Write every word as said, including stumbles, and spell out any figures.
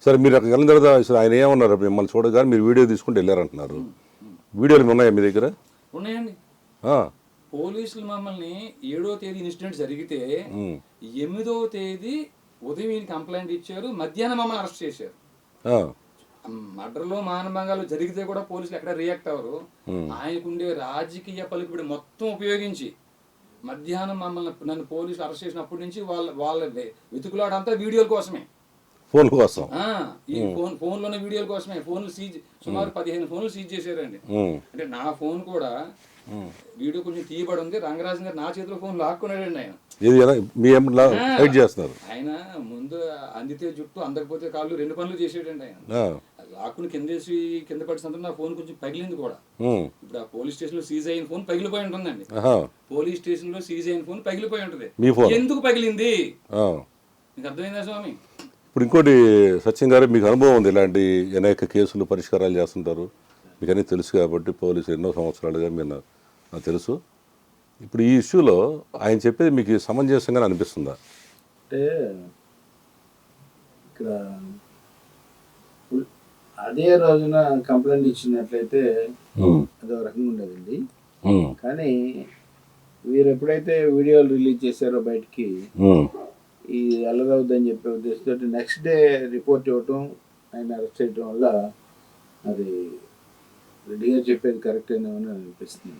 సరే మీరు అక్కడికి వెళ్ళిన తర్వాత అసలు ఆయన ఏమన్నారు మిమ్మల్ని చూడగానే మీరు వీడియో తీసుకుంటూ వెళ్ళారంటున్నారు. వీడియోలు ఉన్నాయా మీ దగ్గర? ఉన్నాయండి. పోలీసులు మమ్మల్ని ఏడో తేదీ ఇన్సిడెంట్ జరిగితే ఎనిమిదవ తేదీ ఉదయం ఈయన కంప్లైంట్ ఇచ్చారు, మధ్యాహ్నం మమ్మల్ని అరెస్ట్ చేశారు. మర్డర్లో మానభంగాలు జరిగితే కూడా పోలీసులు ఎక్కడ రియాక్ట్ అవ్వరు. ఆయనకుండే రాజకీయ పలుకుబడి మొత్తం ఉపయోగించి మధ్యాహ్నం మమ్మల్ని నన్ను పోలీసులు అరెస్ట్ చేసినప్పటి నుంచి వాళ్ళ వాళ్ళ వెతుకులాడంతా వీడియోల కోసమే, ఫోన్ కోసం, ఈ ఫోన్ ఫోన్లోనే వీడియోల కోసమే. ఫోన్లు సీజ్ సుమారు పదిహేను ఫోన్లు సీజ్ చేశారండి. అంటే నా ఫోన్ కూడా వీడియో కొంచెం తీయబడి ఉంది. రంగరాజన్ గారు నా చేతిలో ఫోన్ లాక్కున్నాడండి ఆయన. ఆయన ముందు అందితే జుట్టు అందకపోతే కాళ్ళు రెండు పనులు చేసేటండి ఆయన. లాక్కుని కిందేసి కింద పడినందుకు నా ఫోన్ కొంచెం పగిలింది కూడా. ఇప్పుడు ఆ పోలీస్ స్టేషన్ లో సీజ్ అయిన ఫోన్ పగిలిపోయి ఉంటుందండి. పోలీస్ స్టేషన్ లో సీజ్ అయిన ఫోన్ పగిలిపోయి ఉంటుంది. ఎందుకు పగిలింది మీకు అర్థమైందా స్వామి? ఇప్పుడు ఇంకోటి సత్యం గారు, మీకు అనుభవం ఉంది, ఇలాంటి అనేక కేసులు పరిష్కారాలు చేస్తుంటారు, మీకు అన్నీ తెలుసు కాబట్టి పోలీసు ఎన్నో సంవత్సరాలుగా మీరు నాకు తెలుసు. ఇప్పుడు ఈ ఇష్యూలో ఆయన చెప్పేది మీకు సమంజసంగా అనిపిస్తుందా? అంటే ఇక్కడ అదే రోజున కంప్లైంట్ ఇచ్చినట్లయితే అదో రకంగా ఉండదండి. కానీ వీరు ఎప్పుడైతే వీడియోలు రిలీజ్ చేశారో బయటికి, ఈ అల్లరవుద్దని చెప్పే ఉద్దేశంతో నెక్స్ట్ డే రిపోర్ట్ ఇవ్వటం, ఆయన అరెస్ట్ చేయడం వల్ల అది రెడీగా చెప్పేది కరెక్ట్ అని అనిపిస్తుంది.